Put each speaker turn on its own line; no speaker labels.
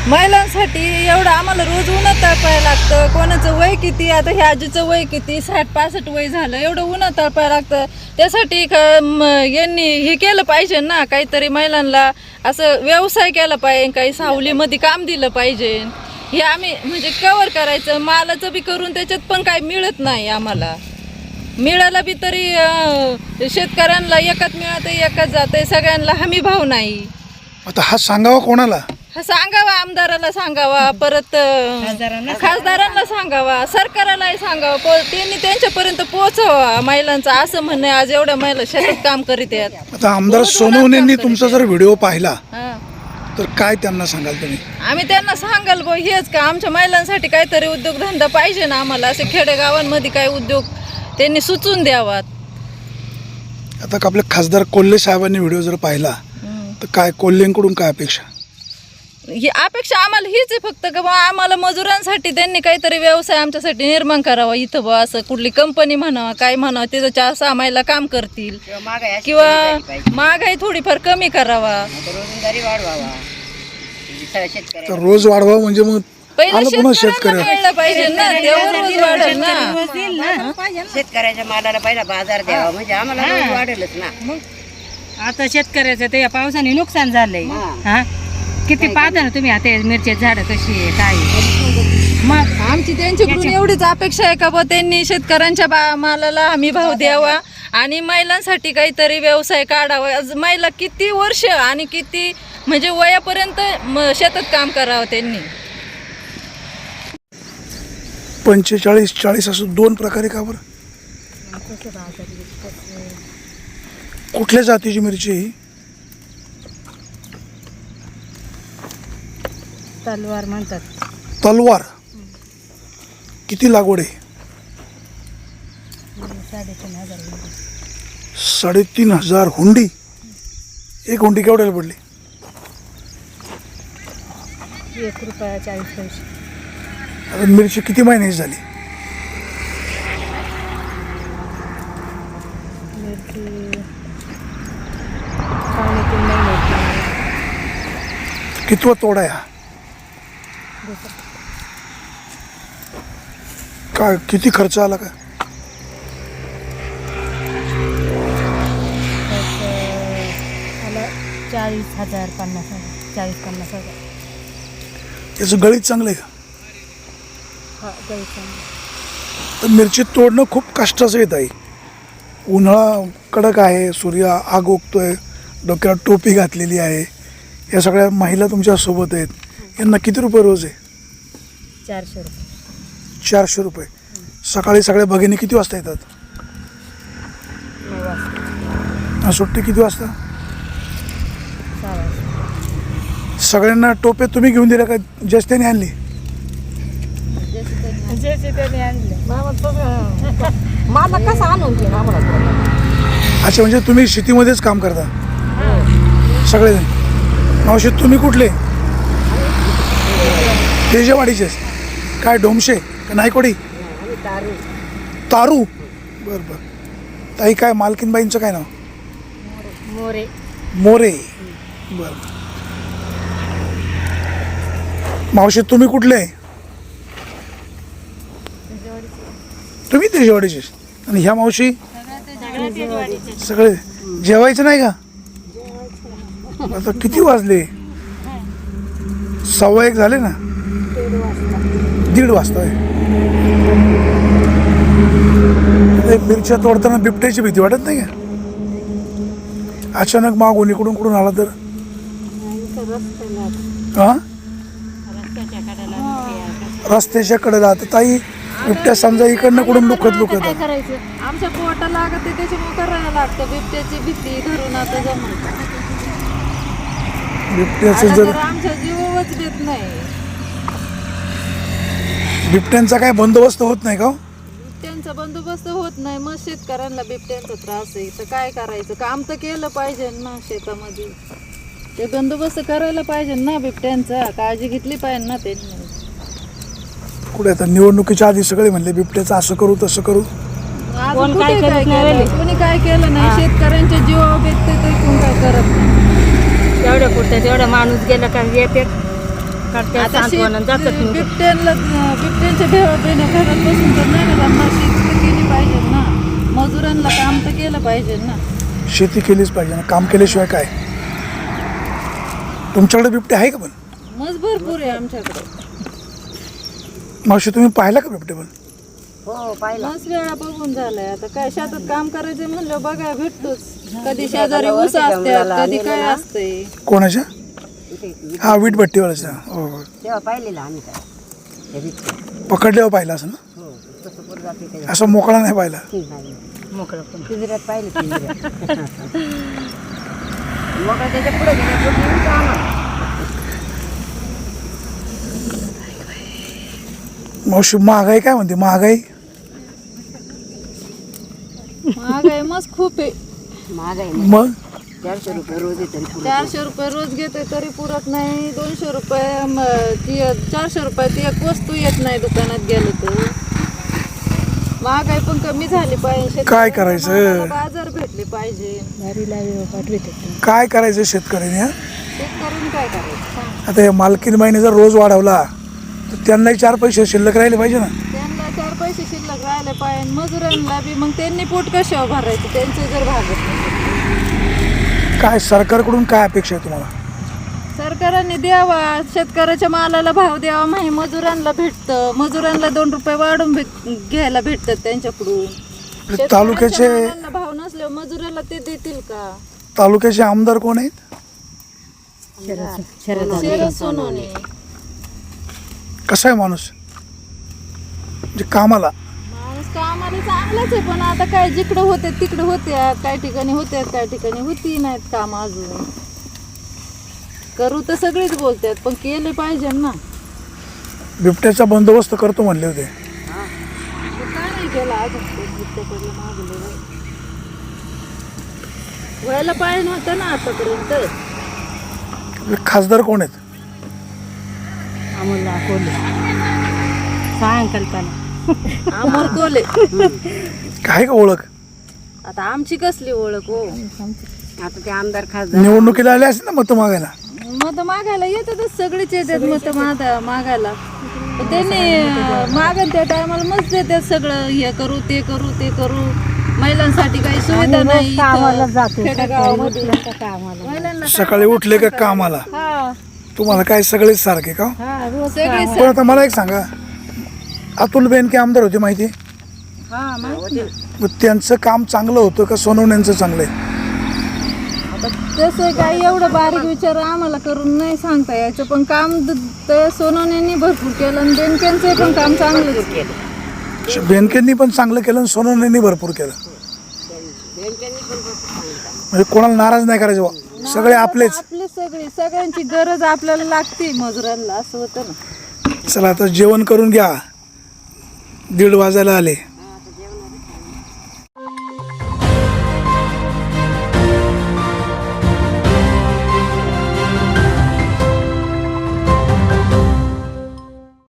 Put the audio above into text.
महिलांसाठी एवढं आम्हाला रोज उन्हात तळपायला लागतं. कोणाचं वय किती, आता ह्या आजीचं वय किती, 60-65 वय झालं, एवढं उन्हात तळपायला लागतं. त्यासाठी यांनी हे केलं पाहिजे ना, काहीतरी महिलांना असं व्यवसाय केला पाहिजे, काही सावलीमध्ये काम दिलं पाहिजे. हे आम्ही म्हणजे कव्हर करायचं, मालाचं बी करून त्याच्यात पण काही मिळत नाही आम्हाला. मिळालं बी तरी शेतकऱ्यांना एकच मिळतं, एकच जातं, सगळ्यांना हमी भाव नाही.
आता हा सांगावा कोणाला?
हा सांगावा, आमदाराला सांगावा, परत खासदारांना सांगावा, सरकारालाही सांगावा, त्यांनी त्यांच्यापर्यंत पोहोचवा महिलांचं असं म्हणणं. आज एवढ्या महिला शेतात काम करीत आहेत.
आता आमदार सोनवणेंनी तुमचा जर व्हिडिओ पाहिला तर काय त्यांना सांगाल तुम्ही?
आम्ही त्यांना सांगाल बो हेच का आमच्या महिलांसाठी काहीतरी उद्योगधंदा पाहिजे ना आम्हाला, असे खेडेगावांमध्ये काही उद्योग त्यांनी सुचून द्यावात.
आता आपले खासदार कोल्हे साहेबांनी व्हिडिओ जर पाहिला तर काय कोल्हेंकडून काय अपेक्षा?
ही अपेक्षा आम्हाला हीच आहे फक्त का बा आम्हाला मजुरांसाठी त्यांनी काहीतरी व्यवसाय आमच्यासाठी निर्माण करावा. इथं बा असं कुठली कंपनी म्हणावा, काय म्हणावं, तिथं 4-6 महिला काम करतील किंवा महागाई थोडीफार कमी करावा.
तर रोज वाढवा म्हणजे मग
पहिलं शेतकऱ्यांना मिळलं पाहिजे ना, तेव्हा रोज वाढेल ना.
शेतकऱ्याच्या मालाला पहिला बाजार द्यावा म्हणजे आम्हाला रोज वाढेलच ना.
मग आता शेतकऱ्याचं ते या पावसाने नुकसान झालंय. हा किती पाहता ना तुम्ही आता मिरच्याची झाडं कशी आहे काय.
मग आमची त्यांच्याकडून एवढीच अपेक्षा आहे का बा त्यांनी शेतकऱ्यांच्या मालाला हमी भाव द्यावा आणि महिलांसाठी काहीतरी व्यवसाय काढावा. महिला किती वर्ष आणि किती म्हणजे वयापर्यंत शेतात काम करावं त्यांनी.
45-40 असं दोन प्रकारे का बरं? कुठल्या जातीची मिरची ही?
तलवार म्हणतात.
तलवार. किती लागवड आहे? 3,500 हुंडी. एक हुंडी केवढ्याला पडली?
₹1.40.
आता मिरची किती महिन्याची झाली? कितवा तोडा आहे? काय किती खर्च आला का?
मला 40,000 50,000 40-50,000.
याचं गळीत चांगलं आहे का?
हा गळीत चांगलं.
तर मिरची तोडणं खूप कष्टाचं येत आहे. उन्हाळा कडक आहे, सूर्य आग ओकतोय, डोक्याला टोपी घातलेली आहे. या सगळ्या महिला तुमच्या सोबत आहेत. यांना किती रुपये रोज आहे?
400 रुपये.
400 रुपये. सकाळी सगळ्या भगिनी किती वाजता येतात?
9 वाजता.
सुट्टी किती वाजता?
6 वाजता.
सगळ्यांना टोपे तुम्ही घेऊन दिल्या का जस्त्याने आणली?
जे त्याने आणले.
मला कसं आणून घे आम्हाला.
अच्छा, म्हणजे तुम्ही शेतीमध्येच काम करता सगळेजण? मावशी तुम्ही कुठले? तेजेवाडीचेच. काय डोमशे का नायकोडी? तारू. बरं बरं. ताई काय मालकीनबाईंचं काय नाव?
मोरे.
मोरे. बरं. मावशी तुम्ही कुठले? तुम्ही तेजेवाडीचे. आणि ह्या मावशी? सगळे. जेवायचं नाही का? आता किती वाजले? 1:15 झाले ना? 1:30 वाजता आहे. मिरच्या तोडताना बिबट्याची भीती वाटत नाही का? अचानक मागून इकडून कुठून आला तर? हा, रस्त्याच्या कडेला. आता ताई बिबट्या समजा इकडनं कुठून लुकत
आमच्या पोटाला लागत त्याच्यामुळे करायला लागतं. बिबट्याची भीती धरून आता जमत.
बिबट्याचं जर
आमच्या जीवच देत नाही.
बिबट्यांचा काय बंदोबस्त होत नाही का?
बिबट्यांचा बंदोबस्त होत नाही. मग शेतकऱ्यांना बिबट्यांचा त्रास आहे तर काय करायचं? काम तर केलं पाहिजे ना शेतामध्ये. ते बंदोबस्त करायला पाहिजे ना बिबट्यांचा. काळजी घेतली पाहिजे ना त्यांनी.
कुठे आता निवडणुकीच्या आधी सगळे म्हणले बिबट्याचं असं करू तसं करू.
कोणी काय केलं नाही. शेतकऱ्यांच्या जीवावर बेतते तर कोण काय करत नाही.
एवढ्या पुरत्या तेवढा माणूस गेला का येते. करतात
आता
सांत्वन आणि जातात निघून.
बिबट्यांच्या भेवबेने घरात बसून तर नाही ना त्यांना शेती तर केली पाहिजे ना, मजुरांना काम तर केलं पाहिजे ना.
शेती केलीच पाहिजे ना, काम केल्याशिवाय काय. तुमच्याकडे बिबटे आहे का पण?
मज भरपूर आहे आमच्याकडे.
मावशी तुम्ही पाहिला का बिबटे पण?
हो पाहिलं.
मस्त वेळा बघून झालाय. आता काय शेतात काम करायचं म्हणलं बघाय भेटतोच. कधी शेजारी ऊस असतात, कधी काय असतंय.
कोणाच्या?
इथे
हा वीटभट्टीवाल्याचा. हो हो.
तेव्हा पाहिलेलं आम्ही काय हे बिबटे.
पकडल्यावर पाहिला असं ना,
हो कसं पुढे जाते ते
असं मोकळा नाही पाहिला.
नाही.
मोकळं पण.
पिंजऱ्यात पाहिलं पिंजऱ्यात. मग त्याच्या पुढे गेले आम्हाला.
मावशी महागाई काय म्हणते? महागाई
महागाई मस्त खूप आहे.
महाग आहे
मग
400 रुपये रोज येते
400 रुपये रोज घेते तरी पुरत नाही. 200 रुपये 400 रुपये ती एक वस्तू येत नाही दुकानात गेलो तर. महागाई पण कमी झाली पाहिजे.
काय करायचं?
मालाला बाजार भेटले पाहिजे.
काय करायचं शेतकऱ्याने? हा?
शेतकऱ्यांनी काय करायचं सांग.
आता हे मालकीन बाईने जर रोज वाढवला तर त्यांनाही 4 पैसे शिल्लक राहिले पाहिजे ना.
त्यांना 4 पैसे शिल्लक राहिले पाहिजे. मजुरांना बी मग त्यांनी पोट कशावर भरायचं त्यांचे जर भागत नसेल.
काय सरकारकडून काय अपेक्षा आहे तुम्हाला?
सरकारने द्यावा, शेतकऱ्याच्या मालाला भाव द्यावा. माही मजुरांना भेटतं, मजुरांना 2 रुपये वाढून घ्यायला भेटतात त्यांच्याकडून.
तालुक्याचे
शेतकऱ्याच्या मालाला भाव नसल्यावर मजुराला ते देतील का?
तालुक्याचे आमदार कोण आहेत?
शरद सोनवणे.
कसा आहे माणूस म्हणजे कामाला?
माणूस कामाला चांगलाच आहे, पण आता काय जिकडं होते तिकडे होत्या, काही ठिकाणी होत्यात, काही ठिकाणी होती नाहीत काम. अजून करू तर सगळेच बोलतात, पण केले पाहिजे ना.
बिबट्याचा बंदोबस्त करतो म्हणले होते.
तो काय नाही केला अजून. बिबट्याकडे मागले व्हायला पाहिजे नव्हतं ना आतापर्यंत.
खासदार कोण आहेत?
आम्हाला कोल्हे सायंकाळपाला
अमर कोले.
काय का ओळख?
आता आमची कसली ओळख हो.
आता ते आमदार खासदार
निवडणुकीला आले असतील ना मतं मागायला?
मत मागायला येतातच, सगळेच येतात मत मागायला. पण त्यांनी मागत त्या टायमाला मस्त देतात सगळं. हे करू ते करू ते करू. महिलांसाठी काही सुविधा नाही इथं खेडेगावामध्ये. महिलांना
सकाळी उठले का कामाला?
हा
तुम्हाला काय सगळेच सारखे का?
सगळे
पण आता मला एक सांगा, अतुल बेनके आमदार होते माहिती?
हा माहिती.
मग त्यांचं काम चांगलं होतं का सोनवण्यांचं चांगलं आहे?
आता तसं काही एवढं बारीक विचार आम्हाला करून नाही सांगता यायचं, पण काम ते सोनवण्यांनी भरपूर केलं आणि बेनकेंचं पण काम चांगलं केलं.
बेनकेंनी पण चांगलं केलं आणि सोनवण्यांनी भरपूर केलं. म्हणजे कोणाला नाराज नाही करायचं बा. सगळे आपलेच.
आपले सगळ्यांची गरज आपल्याला लागते मजुरांना, असं होतं ना.
चला आता जेवण करून घ्या, 1:30 वाजायला आले.